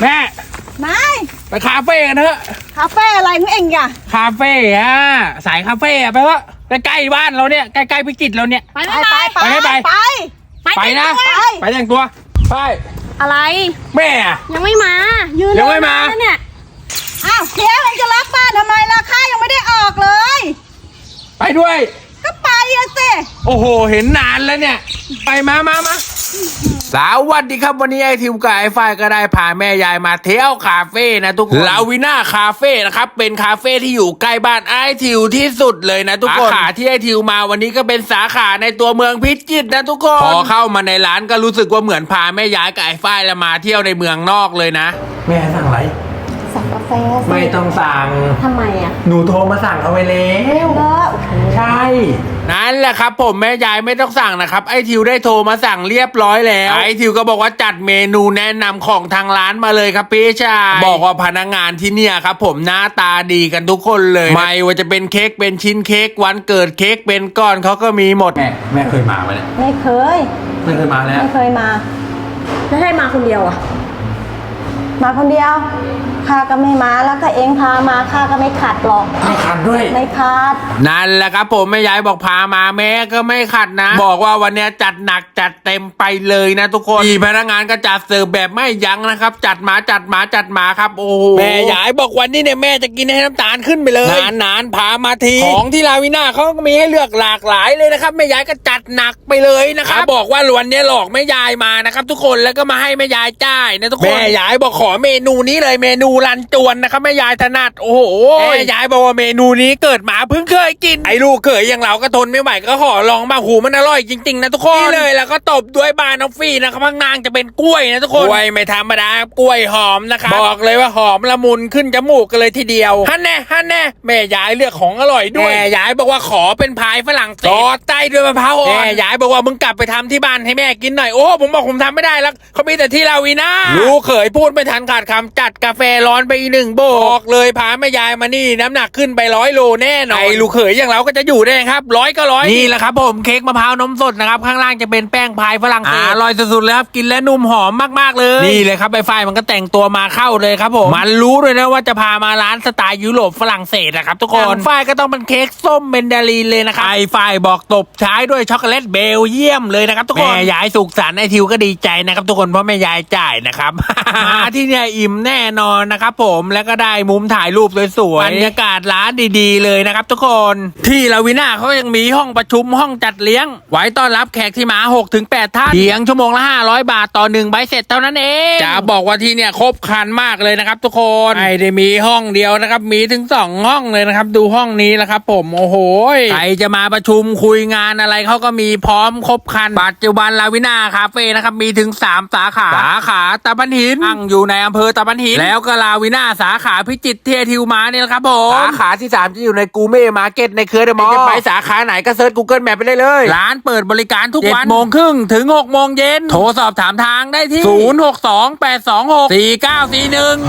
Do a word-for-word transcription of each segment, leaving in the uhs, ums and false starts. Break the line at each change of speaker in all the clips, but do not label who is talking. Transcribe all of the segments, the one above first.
แม่
ไม่
ไปคาเฟ่กันเถอะ
คาเฟ่อะไรมึงเองอ่ะ
คาเฟ่อะสายคาเฟ่อะไปวะใกล้ๆบ้านเราเนี่ยใกล้ๆพิจิตรเราเนี่ย
ไปไปไป
ไปไปไปนะไปแต่งตัวไป
อะไร
แม่
ยังไม่มายืน
ยังไม่มา
เนี่ย
อ้าวเจ๊มันจะรับบ้านทำไมล่ะข้ายังไม่ได้ออกเลย
ไปด้วย
ก็ไปอะสิ
โอ้โหเห็นนานแล้วเนี่ยไปมามามาสวัสดีครับวันนี้ไอทิวกับไอฝ้ายก็ได้พาแม่ยายมาเที่ยวคาเฟ่นะทุกคนลาวิน่าคาเฟ่นะครับเป็นคาเฟ่ที่อยู่ใกล้บ้านไอทิวที่สุดเลยนะทุกคนสาขาที่ไอทิวมาวันนี้ก็เป็นสาขาในตัวเมืองพิจิตรนะทุกคนพอเข้ามาในร้านก็รู้สึกว่าเหมือนพาแม่ยายกับไอฝ้ายละมาเที่ยวในเมืองนอกเลยนะแม่สั่งอะไร
สั่งกาแฟ
ไม่ต้องสั่ง
ทำไมอ่ะ
หนูโทรมาสั่งเอาไว้แล้วใช่นั่นแหละครับผมแม่ยายไม่ต้องสั่งนะครับไอทิวได้โทรมาสั่งเรียบร้อยแล้วไอทิวก็บอกว่าจัดเมนูแนะนำของทางร้านมาเลยครับพี่ชายบอกว่าพนักงานที่เนี่ยครับผมหน้าตาดีกันทุกคนเลยไม่ว่าจะเป็นเค้กเป็นชิ้นเค้กวันเกิดเค้กเป็นก้อนเขาก็มีหมดแม่แม่เคยมาไหมเนี่ย
ไม่เคย
ไม่เคยมาแล้ว
ไม่เคยมา
แล้วให้มาคนเดียวอ่ะ
มาคนเดียวข้าก็ไม่มาแล้วถ้าเองพามาข้าก็ไม่ขัดหรอก
ไม่ขัดด้วย
ไม่ขัด
นั่นแหละครับผมแม่ยายบอกพามาแม่ก็ไม่ขัดนะบอกว่าวันนี้จัดหนักจัดเต็มไปเลยนะทุกคนพี่พนักงานก็จัดเสิร์ฟแบบไม่ยั้งนะครับจัดมาจัดมาจัดมาครับโอ้แม่ยายบอกวันนี้เนี่ยแม่จะกินให้น้ำตาลขึ้นไปเลยนานนานพามาทีของที่ลาวิน่าเขาก็มีให้เลือกหลากหลายเลยนะครับแม่ยายก็จัดหนักไปเลยนะครับบอกว่าวันนี้หลอกแม่ยายมานะครับทุกคนแล้วก็มาให้แม่ยายจ่ายนะทุกคนแม่ยายบอกขอเมนูนี้เลยเมนูรันจวนนะครับแม่ยายถนัดโอ้โหแม่ยายบอกว่าเมนูนี้เกิดมาเพิ่งเคยกินไอ้ลูกเขยอย่างเราก็ทนไม่ไหวก็ขอลองมาหูมันอร่อยจริงๆนะทุกคนนี่เลยแล้วก็ตบด้วยบานอฟฟี่นะครับข้างนางจะเป็นกล้วยนะทุกคนกล้วยไม่ธรรมดากล้วยหอมนะครับบอกเลยว่าหอมละมุนขึ้นจมูกกันเลยทีเดียวฮันแน่ฮันแน่แม่ยายเลือกของอร่อยด้วยแม่ยายบอกว่าขอเป็นพายฝรั่งเศสซอสใต้ด้วยมะพร้าวอ่อนแม่ยายบอกว่ามึงกลับไปทำที่บ้านให้แม่กินหน่อยโอ้ผมบอกผมทำไม่ได้แล้วเขามีแต่ที่ลาวิน่าลูกเขยพูดไม่ทันขาดคำจัดกาแฟร้อนไปอีกหนึ่งโบอกเลยพาแม่ยายมานี่น้ำหนักขึ้นไปร้อยโลแน่นอนไอ้ลูกเขยอย่างเราก็จะอยู่ได้ครับร้อยก็ร้อยนี่แหละครับผมเค้กมะพร้าวนมสดนะครับข้างล่างจะเป็นแป้งพายฝรั่งเศสอร่อยสุดๆเลยครับกินแล้วนุ่มหอมมากๆเลยนี่เลยครับไอ้ฝ้ายมันก็แต่งตัวมาเข้าเลยครับผมมันรู้เลยนะว่าจะพามาร้านสไตล์ยุโรปฝรั่งเศสนะครับทุกคนฝ้ายก็ต้องเป็นเค้กส้มเบนดาลีนเลยนะครับไอ้ฝ้ายบอกตบท้ายด้วยช็อกโกแลตเบลเยียมเลยนะครับทุกคนแม่ยายสุขสันต์ไอ้ทิวก็ดีใจนะครับทุกคนเพราะแม่ยายจ่ายนะครับ มาที่เนี่ยอิ่มแน่นอนนะครับผมแล้วก็ได้มุมถ่ายรูปสวยๆบรรยากาศร้านดีๆเลยนะครับทุกคนที่ลาวิน่าเขายังมีห้องประชุมห้องจัดเลี้ยงไว้ต้อนรับแขกที่มา หกถึงแปด ท่านเพียงชั่วโมงละห้าร้อยบาทต่อหนึ่งใบเสร็จเท่านั้นเองจะบอกว่าที่เนี่ยครบครันมากเลยนะครับทุกคนไม่ได้มีห้องเดียวนะครับมีถึงสองห้องเลยนะครับดูห้องนี้แล้วครับผมโอ้โหใครจะมาประชุมคุยงานอะไรเขาก็มีพร้อมครบครันปัจจุบันลาวิน่าคาเฟ่นะครับมีถึงสามสาขาสาขาตะบันหินตั้งอยู่ในอำเภอตะบันหินแล้วก็ลาวิน่าสาขาพิจิตรเทียทิวมาเนี่ยแหละครับผมสาขาที่สามจะอยู่ในกูเม่มาร์เก็ตในเครือเดอะมอลล์จะไปสาขาไหนก็เซิร์ช Google Map ไปได้เลยร้านเปิดบริการทุกวันเจ็ดโมงครึ่งถึงหกโมงเย็นโทรสอบถามทางได้ที่ศูนย์ หก สอง แปด สอง หก สี่ เก้า สี่ หนึ่ง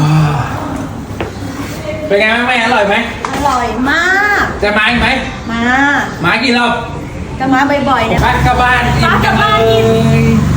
เป็นไงแม่อร่อยไหม
อร่อยมาก
จะมาอีกไหม
มา
มากี่รอบ
ก็มาบ่อยๆเนี่ย
บ้านกับบ้านกินกันเลย